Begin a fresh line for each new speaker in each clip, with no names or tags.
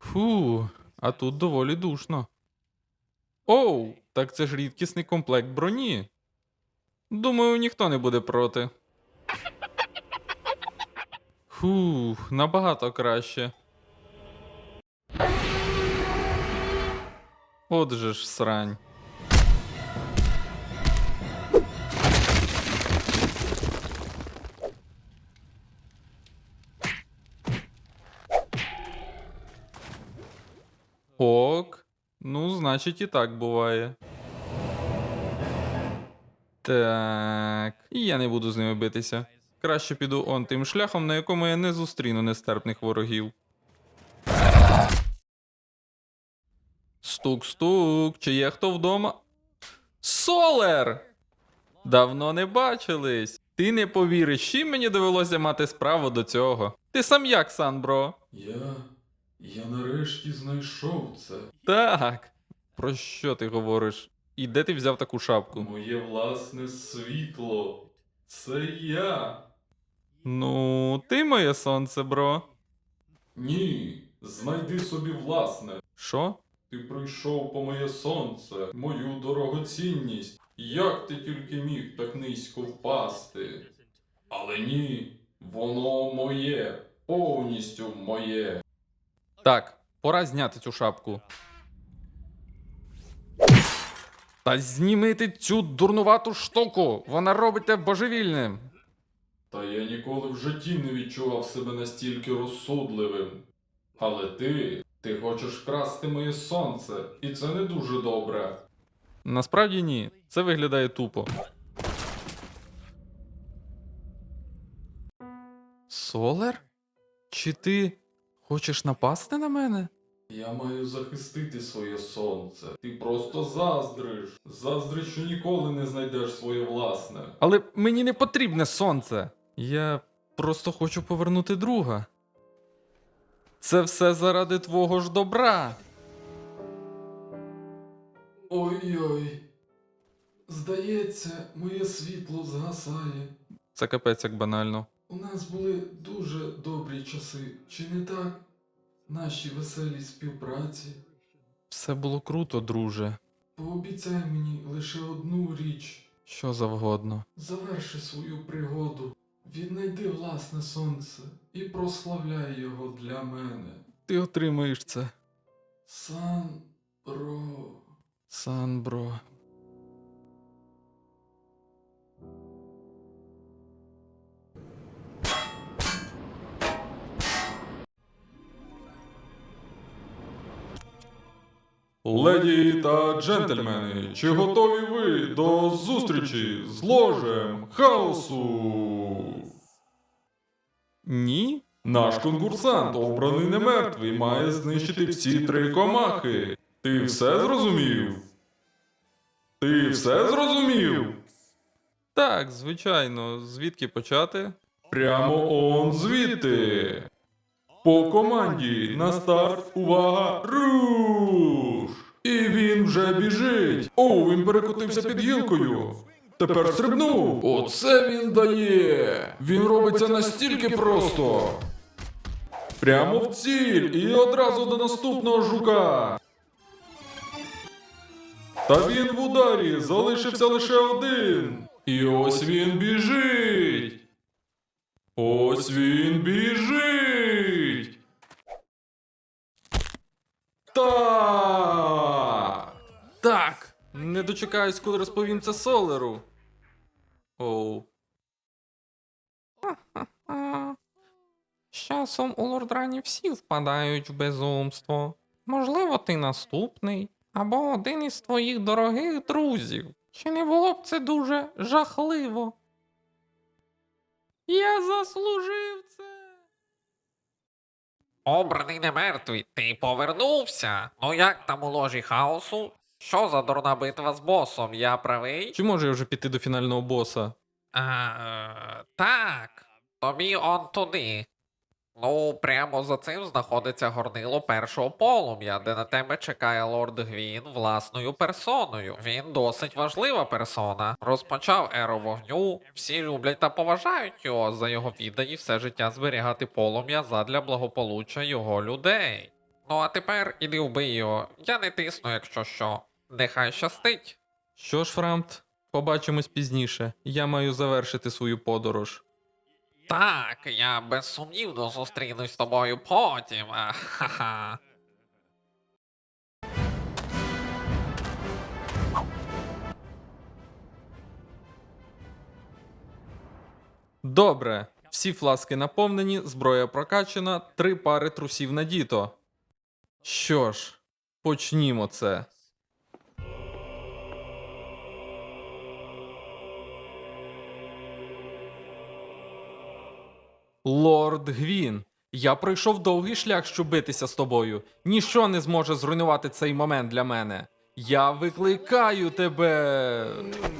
Фу, а тут доволі душно. Оу, так це ж рідкісний комплект броні. Думаю, ніхто не буде проти. Фух, набагато краще. Отже ж срань. Ок. Ну, значить, і так буває. Так. І я не буду з ними битися. Краще піду он тим шляхом, на якому я не зустріну нестерпних ворогів. Стук-стук, чи є хто вдома? Солер! Давно не бачились. Ти не повіриш, чим мені довелося мати справу до цього. Ти сам як, Санбро?
Я нарешті знайшов це.
Так. Про що ти говориш? І де ти взяв таку шапку?
Моє власне світло. Це я.
Ну, ти моє сонце, бро.
Ні, знайди собі власне.
Що?
Ти прийшов по моє сонце, мою дорогоцінність. Як ти тільки міг так низько впасти? Але ні, воно моє, повністю моє.
Так, пора зняти цю шапку. Та зніми ти цю дурнувату штуку! Вона робить тебе божевільним.
Та я ніколи в житті не відчував себе настільки розсудливим. Але ти хочеш вкрасти моє сонце, і це не дуже добре.
Насправді ні, це виглядає тупо. Солер? Чи ти хочеш напасти на мене?
Я маю захистити своє сонце. Ти просто заздриш. Заздриш, що ніколи не знайдеш своє власне.
Але мені не потрібне сонце. Я просто хочу повернути друга. Це все заради твого ж добра.
Ой-ой. Здається, моє світло згасає.
Це капець як банально.
У нас були дуже добрі часи, чи не так? Наші веселі співпраці.
Все було круто, друже.
Пообіцяй мені лише одну річ.
Що завгодно.
Заверши свою пригоду, віднайди власне сонце і прославляй його для мене.
Ти отримаєш це.
Санбро.
Санбро.
Леді та джентльмени, чи готові ви до зустрічі з ложем хаосу?
Ні?
Наш конкурсант, обраний не мертвий, має знищити всі 3 комахи. Ти все зрозумів? Ти все зрозумів?
Так, звичайно. Звідки почати?
Прямо он звідти. По команді на старт, увага, руш! І він вже біжить. О, він перекотився під гілкою. Тепер стрибнув. Оце він дає. Він робиться настільки просто. Прямо в ціль і одразу до наступного жука. Та він в ударі, залишився лише один. І ось він біжить. Ось він біжить. Так.
Так! Не дочекаюсь, коли розповім це Солеру. Оу. З часом у Лордрані всі впадають в безумство. Можливо, ти наступний, або один із твоїх дорогих друзів. Чи не було б це дуже жахливо? Я заслужив це.
Обраний не мертвий, ти повернувся. Ну як там у ложі хаосу? Що за дурна битва з босом? Я правий?
Чи можу я вже піти до фінального боса?
Так. Тобі он туди. Ну, прямо за цим знаходиться горнило першого полум'я, де на тебе чекає лорд Гвін власною персоною. Він досить важлива персона. Розпочав еру вогню, всі люблять та поважають його за його віддані все життя зберігати полум'я задля благополуччя його людей. Ну а тепер іди вбий його. Я не тисну, якщо що. Нехай щастить.
Що ж, Фрамт, побачимось пізніше. Я маю завершити свою подорож.
Так, я безсумнівно зустрінусь з тобою потім. Ха-ха.
Добре, всі фласки наповнені, зброя прокачана, 3 пари трусів надіто. Що ж, почнімо це. Лорд Гвін, я пройшов довгий шлях, щоб битися з тобою. Ніщо не зможе зруйнувати цей момент для мене. Я викликаю тебе.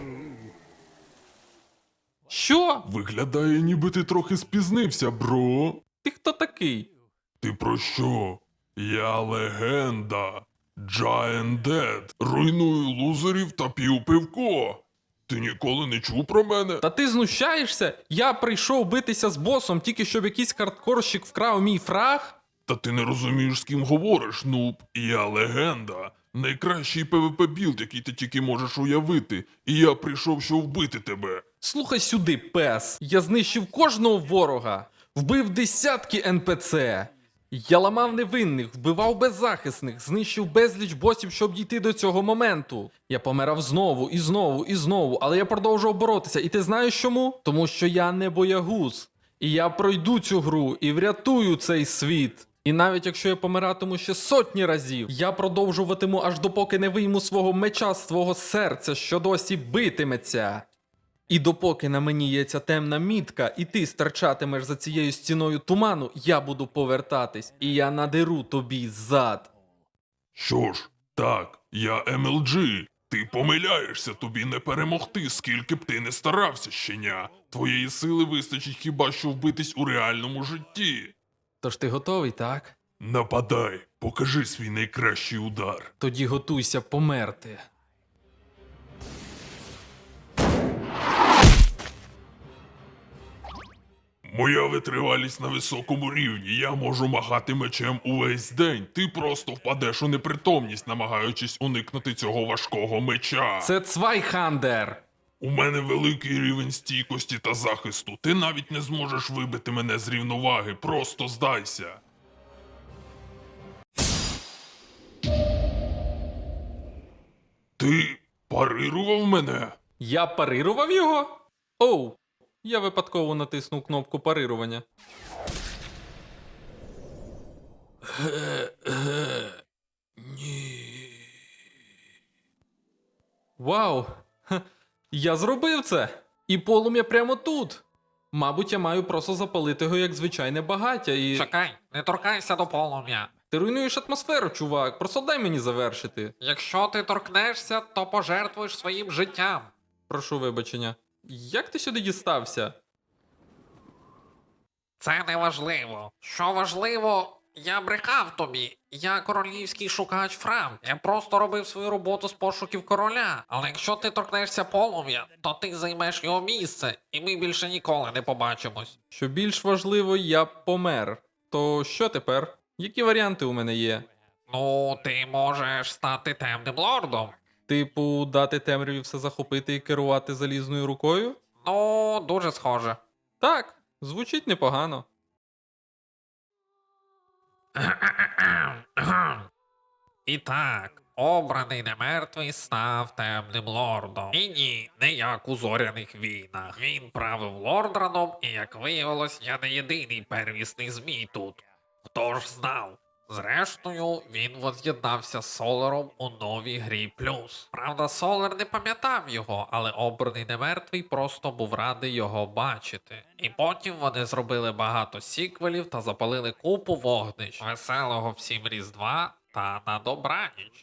Що?
Виглядає, ніби ти трохи спізнився, бро.
Ти хто такий?
Ти про що? Я легенда. Giant Dead. Руйную лузерів та п'ю пивко. Ти ніколи не чув про мене?
Та ти знущаєшся? Я прийшов битися з босом, тільки щоб якийсь хардкорщик вкрав мій фраг?
Та ти не розумієш, з ким говориш, нуб. Я легенда. Найкращий PvP білд, який ти тільки можеш уявити. І я прийшов, щоб вбити тебе.
Слухай сюди, пес. Я знищив кожного ворога, вбив десятки НПЦ. Я ламав невинних, вбивав беззахисних, знищив безліч босів, щоб дійти до цього моменту. Я помирав знову і знову і знову, але я продовжував боротися. І ти знаєш чому? Тому що я не боягуз. І я пройду цю гру і врятую цей світ. І навіть якщо я помиратиму ще сотні разів, я продовжуватиму аж допоки не вийму свого меча з твого серця, що досі битиметься. І допоки на мені є ця темна мітка, і ти стирчатимеш за цією стіною туману, я буду повертатись, і я надеру тобі зад.
Що ж, так, я MLG. Ти помиляєшся, тобі не перемогти, скільки б ти не старався, щеня. Твоєї сили вистачить хіба що вбитись у реальному житті.
Тож ти готовий, так?
Нападай, покажи свій найкращий удар.
Тоді готуйся померти.
Моя витривалість на високому рівні, я можу махати мечем увесь день. Ти просто впадеш у непритомність, намагаючись уникнути цього важкого меча.
Це Цвайхандер!
У мене великий рівень стійкості та захисту. Ти навіть не зможеш вибити мене з рівноваги, просто здайся. Ти парирував мене?
Я парирував його? Оу, я випадково натиснув кнопку парирування.
Ні.
Вау! Ха, я зробив це! І полум'я прямо тут! Мабуть, я маю просто запалити його як звичайне багаття і.
Чекай, не торкайся до полум'я.
Ти руйнуєш атмосферу, чувак. Просто дай мені завершити.
Якщо ти торкнешся, то пожертвуєш своїм життям.
Прошу вибачення. Як ти сюди дістався?
Це не важливо. Що важливо, я брехав тобі. Я королівський шукач Фрам. Я просто робив свою роботу з пошуків короля. Але якщо ти торкнешся полум'я, то ти займеш його місце, і ми більше ніколи не побачимось.
Що більш важливо, я помер. То що тепер? Які варіанти у мене є?
Ну, ти можеш стати темним лордом.
Типу, дати темряві все захопити і керувати залізною рукою?
Ну, дуже схоже.
Так, звучить непогано.
І так, обраний немертвий став темним лордом. І ні, не як у зоряних війнах. Він правив лордраном, і як виявилось, я не єдиний первісний змій тут. Хто ж знав? Зрештою, він воз'єднався з Солером у новій грі плюс. Правда, Солер не пам'ятав його, але обраний немертвий просто був радий його бачити. І потім вони зробили багато сіквелів та запалили купу вогнищ. Веселого всім Різдва та на добраніч.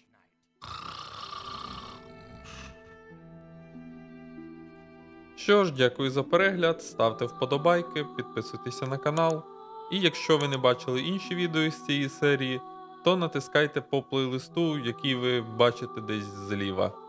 Що ж, дякую за перегляд, ставте вподобайки, підписуйтеся на канал. І якщо ви не бачили інші відео з цієї серії, то натискайте по плейлисту, який ви бачите десь зліва.